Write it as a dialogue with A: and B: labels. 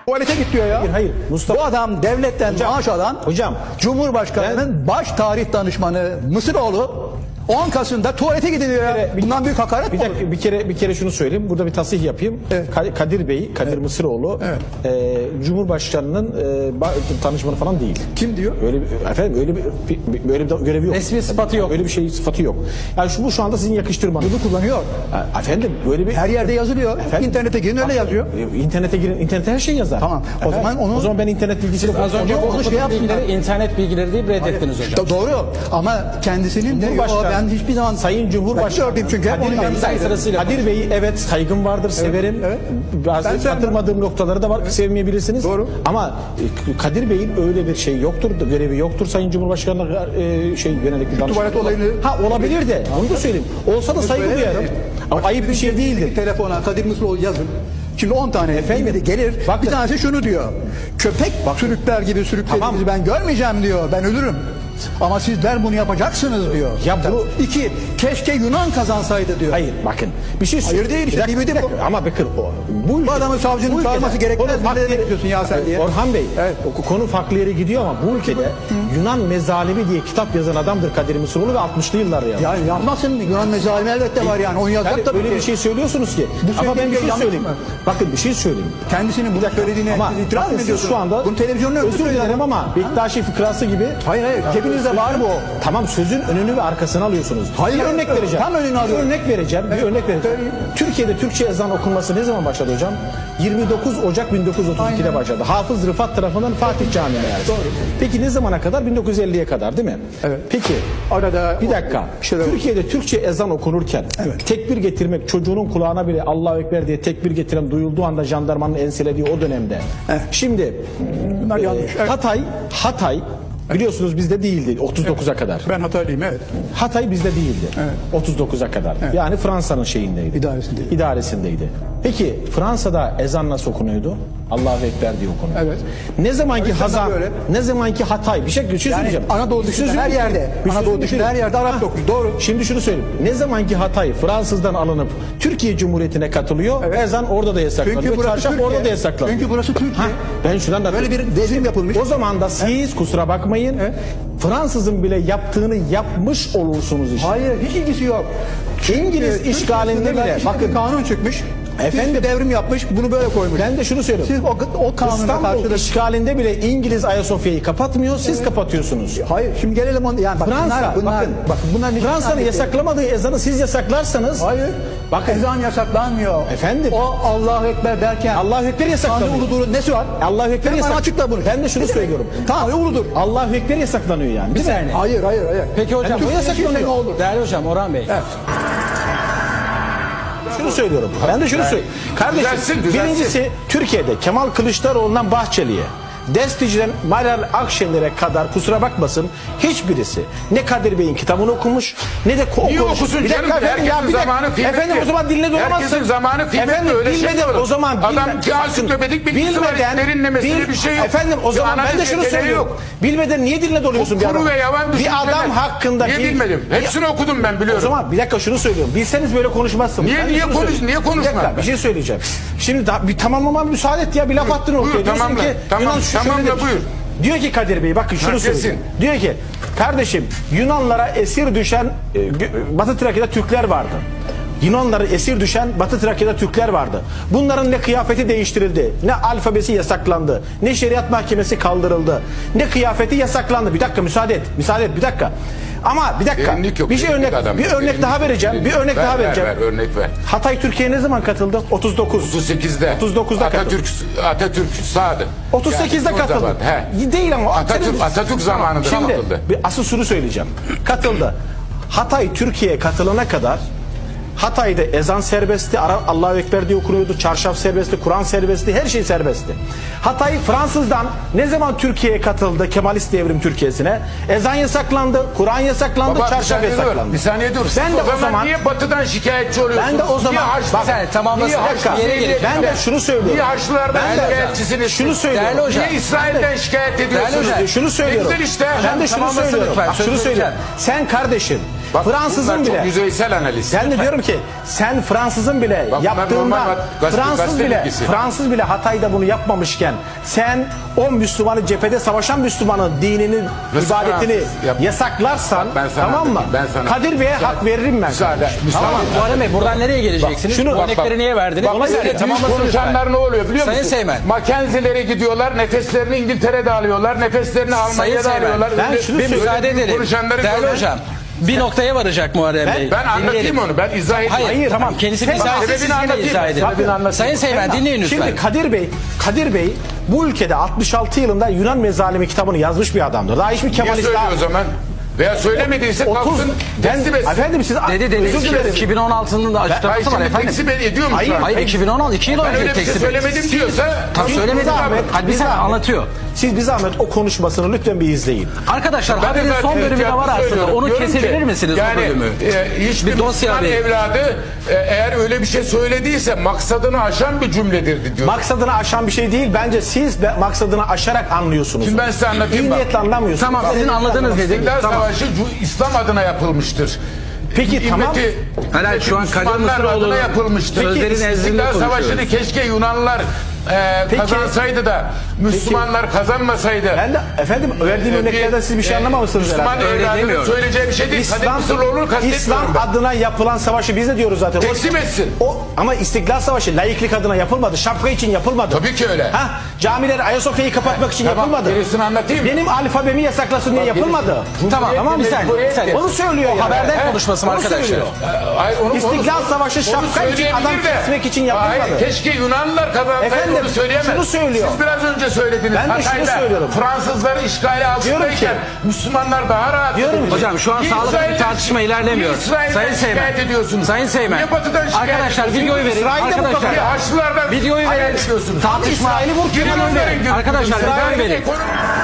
A: Tuvalete git diyor ya.
B: Hayır, hayır. Mustafa.
A: Bu adam devletten maaş alan
B: Hocam.
A: Cumhurbaşkanı'nın baş tarih danışmanı Mısıroğlu 10 Kasım'da tuvalete gidiliyor ya. Bundan büyük hakaret mi olur?
B: Bir kere şunu söyleyeyim. Burada bir tasih yapayım.
A: Evet.
B: Kadir Bey, Kadir Mısıroğlu Cumhurbaşkanı'nın danışmanı falan değil.
A: Kim diyor?
B: Öyle bir görevi yok.
C: Resmi sıfatı yok.
B: Öyle bir şey sıfatı yok. Yani şu anda sizin yakıştırmanız.
A: Bunu kullanıyor.
B: Efendim böyle bir
A: Her yerde yazılıyor. İnternete girin öyle yazıyor.
B: İnternete girin. İnternete her şey yazar.
A: Tamam. O zaman
B: ben internet bilgisiyle
C: Az önce
A: Onu
C: okuduk
A: şey yapsınlar.
C: bilgileri, internet bilgileri deyip reddettiniz hocam.
A: Doğru ama kendisinin de ben hiçbir zaman
B: Sayın Cumhurbaşkanı
A: gördüm çünkü hep onu
B: Kadir Bey'i evet saygım vardır, severim.
A: evet.
B: Bazı
A: Ben sevmem.
B: katılmadığım noktaları da var, sevmeyebilirsiniz.
A: Doğru.
B: Ama Kadir Bey'in öyle bir şey yoktur, görevi yoktur Sayın Cumhurbaşkanı'na yönelik bir danışman.
A: tuvalet olayını...
B: Olabilir de, onu da söyleyeyim. Olsa da saygı duyarım. Ama ayıp bir şey değildir.
A: Telefona Kadir Mısıroğlu yazın. Şimdi 10 tane efendim gelir.
B: Bakın.
A: Bir tanesi şunu diyor. Köpek sürükler gibi sürüklediğinizi ben görmeyeceğim diyor. Ben ölürüm. Ama sizler bunu yapacaksınız diyor.
B: Ya bunu...
A: İki, keşke Yunan kazansaydı diyor.
B: Hayır bakın bir şey
A: Hayır değil işte.
B: Bir dakika. Ama bakın
A: Bu adamın savcının çağırması gerekmez.
B: Konu
A: Ne bekliyorsun ya sen diye.
B: Orhan Bey,
A: Evet.
B: konu farklı yere gidiyor ama bu ülkede Yunan mezalimi diye kitap yazan adamdır Kadir Mısıroğlu ve 60'lı yıllarda yazdı.
A: Ya yapmasın mı? Yunan mezalimi elbette var yani. Onu yazacak
B: Yani
A: tabii
B: öyle
A: ki.
B: bir şey söylüyorsunuz ki. Ama ben bir şey
A: yanlış
B: söyleyeyim.
A: mı?
B: Bakın bir şey söyleyeyim.
A: Kendisinin bu söylediğine
B: Ama
A: itiraz
B: bakın
A: mı
B: siz
A: ediyorsun?
B: şu anda
A: Bunu televizyonda
B: özür dilerim ama Bektaşi fıkrası gibi.
A: Hayır cebinizde var bu.
B: Tamam sözün önünü ve arkasını alıyorsunuz.
A: Hayır,
B: bir örnek vereceğim.
A: tam önünü alıyorum.
B: Bir örnek vereceğim. Türkiye'de Türkçe ezan okunması ne zaman başladı hocam? 29 Ocak 1932'de başladı. Hafız Rıfat tarafından Fatih Camii'ne yani. Peki ne zamana kadar? 1950'ye kadar değil mi?
A: Evet.
B: Peki
A: Arada
B: bir dakika. Türkiye'de Türkçe ezan okunurken tekbir getirmek çocuğunun kulağına bile Allahu Ekber diye tekbir getiren duyulduğu anda jandarmanın enselediği o dönemde. Şimdi
A: Bunlar yanlış. Evet.
B: Hatay biliyorsunuz bizde değildi 39'a kadar.
A: Ben Hataylıyım evet.
B: Hatay bizde değildi.
A: Evet.
B: 39'a kadar. Evet. Yani Fransa'nın şeyindeydi. İdaresindeydi. Peki Fransa'da ezan nasıl okunuyordu? Allahu Ekber diye okunuyordu.
A: Evet.
B: Ne zamanki Hatay bir şey söyleyeceğim.
A: Anadolu dışında her yerde. Anadolu dışında her yerde Arap okuyor. Doğru.
B: Şimdi şunu söyleyeyim. Ne zamanki Hatay Fransızdan alınıp Türkiye Cumhuriyeti'ne katılıyor, ezan orada da yasaklanıyor. Çarşaf orada da yasaklanıyor.
A: Çünkü burası Türkiye.
B: Ben şuradan da
A: böyle bir devrim yapılmış.
B: O zaman da siz kusura bakmayın. Fransızın bile yaptığını yapmış olursunuz işte.
A: Hayır hiç ilgisi yok.
B: İngiliz işgalinde bile
A: bakın kanun çıkmış. Efendim devrim yapmış bunu böyle koymuş.
B: Ben de şunu söylüyorum.
A: Siz o kanuna
B: İstanbul
A: karşılık
B: işgalinde bile İngiliz Ayasofya'yı kapatmıyor, siz kapatıyorsunuz.
A: Hayır şimdi gelelim yani bak,
B: Fransa
A: bunlar
B: Fransa'nın yasaklamadığı ezanı siz yasaklarsanız
A: hayır.
B: Bakın
A: ezan yasaklanmıyor.
B: Efendim?
A: O Allahu Ekber derken
B: Allahu Ekber yasaklanıyor.
A: Tanrı uludur nesi var?
B: Allahu Ekber
A: Hemen açıkla bunu.
B: Ben de şunu söylüyorum.
A: Tanrı uludur.
B: Allahu Ekber yasaklanıyor yani.
C: Bir saniye.
A: Hayır.
C: Peki hocam
A: Yani
C: bu yasaklanıyor.
A: ne olur?
C: Değerli hocam Orhan Bey.
A: Evet.
B: Şunu söylüyorum. Ben de şunu söylüyorum. Kardeşim
D: Düzelsin.
B: birincisi Türkiye'de Kemal Kılıçdaroğlu'ndan Bahçeli'ye, Destici'den Meral Akşener'e kadar kusura bakmasın hiçbirisi ne Kadir Bey'in kitabını okumuş ne de
D: Niye okusun canım? Herkesin zamanı kıymetli.
B: Efendim o zaman diline dolamazsın.
D: Herkesin zamanı kıymetli.
B: Efendim
D: Öyle şey
B: bilmeden
D: olur.
B: o zaman
D: Adam ansiklopedik bilgisi var. Derinlemesine bir şey yok.
B: Efendim o zaman ben de şunu söylüyorum. Bilmeden niye diline doluyorsun bir adam?
D: Kuru ve yavan
B: Bir adam hakkında
D: niye bilmedim? Hepsini okudum ben biliyorum.
B: O zaman bir dakika şunu söylüyorum. Bilseniz böyle konuşmazsınız.
D: Niye konuşmam?
B: Bir şey söyleyeceğim. Şimdi bir tamamlamama müsaade et ya bir laf attın ortaya.
D: Buyur, tamamla. Tamamla buyur.
B: Diyor ki Kadir Bey bakın şunu söyleyeyim. Diyor ki kardeşim Yunanlara esir düşen Batı Trakya'da Türkler vardı. Yunanları esir düşen Batı Trakya'da Türkler vardı. Bunların ne kıyafeti değiştirildi, ne alfabesi yasaklandı, ne şeriat mahkemesi kaldırıldı, ne kıyafeti yasaklandı. Bir dakika müsaade et bir dakika. Ama bir dakika. Bir örnek daha vereceğim.
D: Örnek ver.
B: Hatay Türkiye'ye ne zaman katıldı?
D: 38'de.
B: 39'da
D: Atatürk sağdı.
B: 38'de katıldı. Değil ama
D: Atatürk zamanında katıldı.
B: Bir asıl şunu söyleyeceğim. Katıldı. Hatay Türkiye'ye katılana kadar Hatay'da ezan serbestti, Allahu Ekber diye okunuyordu, çarşaf serbestti, Kur'an serbestti, her şey serbestti. Hatay Fransızdan ne zaman Türkiye'ye katıldı, Kemalist devrim Türkiye'sine? Ezan yasaklandı, Kur'an yasaklandı, çarşaf yasaklandı.
D: Bir saniye dur.
B: Ben de o zaman
D: niye Batı'dan şikayetçi oluyorsunuz?
B: Ben de o zaman ben de şunu söylüyorum.
D: Niye Haçlılardan şikayetçisiniz?
B: Şunu söylüyorum.
D: Niye İsrail'den şikayet ediyorsunuz?
B: Şunu söylüyorum.
D: Ne güzel işte.
B: Ben de şunu söylüyorum. Bak şunu söylüyorum. Sen kardeşin
D: Bak,
B: Fransızın
D: bunlar
B: bile.
D: çok yüzeysel analiz.
B: Ben de diyorum ki sen Fransızın bile
D: Bak, bunlar
B: yaptığında
D: normal gazete bilgisi.
B: Fransız bile Hatay'da bunu yapmamışken sen o Müslümanı cephede savaşan Müslümanın dinini,
D: Nasıl
B: ibadetini
D: Fransız yap-
B: yasaklarsan
D: Ben sana
B: tamam mı?
D: anlatayım, ben sana-
B: Kadir Bey'e hak veririm ben.
D: Müsaade.
B: Tamam mı?
C: Muharrem Bey buradan nereye geleceksiniz?
B: şunu-
C: Bu
B: bak,
C: örnekleri niye verdiniz?
D: Bak,
C: Ona göre
D: büyük
C: tamamlasın lütfen.
D: konuşanlar ne oluyor biliyor
C: Sayın
D: musun?
C: Seymen.
D: Mackenzie'lere gidiyorlar, nefeslerini İngiltere'de alıyorlar, nefeslerini Almanya'da
C: Seymen,
D: alıyorlar.
B: ben şunu
C: Bir
B: söyleyeyim.
C: müsaade
D: Öyle büyük
C: edelim.
D: konuşanları
C: Değerli
D: görmek-
C: hocam bir noktaya varacak Muharrem Bey.
D: Ben anlatayım
C: Dinleyelim.
D: onu, ben izah edeyim.
C: Hayır, tamam kendisi
B: Sen-
C: izah etsin,
D: sebebini
C: siz yine
D: anlatayım.
C: izah edin.
D: Sebebini anlatayım.
C: Sayın Seymen dinleyin lütfen.
B: Şimdi Kadir Bey bu ülkede 66 yılında Yunan Mezalimi kitabını yazmış bir adamdır. Daha hiçbir
D: Niye
B: Kemalist
D: söylüyor
B: daha...
D: o zaman? Veya söylemediyse
B: 30
D: kalksın teslim etsin.
B: efendim siz
C: Dedi
B: özür dilerim.
C: 2016'nın da
D: Hayır
C: açıklaması var
D: şimdi
C: efendim.
D: tekzip ediyor mu
B: Hayır,
D: şu an?
C: Hayır 2016 2 yıl
D: Ben
C: önce
D: öyle bir şey
C: tekzip
D: söylemedim diyorsa...
C: Tam söylemedim.
B: zahmet,
C: Hadi bir
B: bir
C: saniye
B: zahmet.
C: anlatıyor.
B: Siz bir zahmet o konuşmasını lütfen bir izleyin.
C: Arkadaşlar
D: Ben de
C: haberin
D: zaten
C: son bölümü de var aslında.
D: söylüyorum.
C: Onu
D: Diyorum
C: kesebilir
D: ki,
C: misiniz
D: yani,
C: o bölümü?
D: Hiçbir
C: Bir dosya
D: Müslüman
C: verin.
D: evladı eğer öyle bir şey söylediyse maksadını aşan bir cümledir diyor.
B: Maksadını aşan bir şey değil. Bence siz de maksadını aşarak anlıyorsunuz.
D: Şimdi ben size anlatayım
B: İyi
D: bak.
B: niyetle anlamıyorsunuz.
C: Tamam sizin anladığınız nedir?
D: İstiklal
C: Tamam.
D: Savaşı İslam adına yapılmıştır.
B: Peki tamam.
C: Hayır, şu an Kadir
D: Müslümanlar
C: Mısıroğlu
D: adına yapılmıştır.
C: sözlerin nezdinde
D: İstiklal
C: konuşuyoruz.
D: Savaşı'nı keşke Yunanlılar kazansaydı da Müslümanlar kazanmasaydı.
B: Ben de efendim verdiğim örneklerden siz bir şey anlamamışsınız
D: Müslüman
B: herhalde.
C: Öyle
D: evladının
C: demiyorum.
D: söyleyeceği bir şey değil. Kadir
B: İslam,
D: Mısıroğlu'nu kastetmiyorum
B: İslam
D: ben.
B: adına yapılan savaşı biz de diyoruz zaten.
D: Tekzip etsin.
B: Ama İstiklal Savaşı laiklik adına yapılmadı. Şapka için yapılmadı.
D: Tabii ki öyle.
B: Ha, camileri Ayasofya'yı kapatmak için
D: Tamam,
B: yapılmadı.
D: gerisini anlatayım.
B: Benim alfabemi yasaklasın diye yapılmadı.
C: Tamam bir saniye.
B: Onu söylüyor
C: O
B: yani.
C: haberden konuşması mı
B: Onu
C: arkadaşlar?
B: söylüyor.
D: Hayır,
B: İstiklal Savaşı
D: onu
B: şapka için,
D: söyleyebilir
B: adam
D: de.
B: kesmek için yapılmadı.
D: Hayır, keşke Yunanlılar kazansaydı
B: Efendim,
D: onu söyleyemez.
B: şunu söylüyor.
D: Siz biraz önce söylediniz.
B: Ben de şunu
D: Hatay'da
B: söylüyorum.
D: Fransızları işgali
B: Diyorum
D: altındayken
B: ki-
D: Müslümanlar daha rahat.
B: Diyorum ki-
C: Hocam şu an
D: Niye
C: sağlıklı bir
D: İsrail'den-
C: tartışma ilerlemiyor.
D: niye İsrail'den
C: Sayın Seymen.
D: şikayet ediyorsunuz?
C: Sayın Seymen.
D: Niye Batı'dan şikayet
C: Arkadaşlar
D: ediyorsunuz?
C: videoyu verin.
B: İsrail'de bu
C: Arkadaşlar.
D: Niye Haçlılardan
C: Videoyu
D: hayal
C: verin.
D: ediyorsunuz?
C: Tartışma.
B: İsrail'i vur,
D: Yunanların
B: Yunan'ı verin.
D: görüntüsü.
C: Arkadaşlar,
D: İsrail'in
C: videoyu verin.
D: ekonomi-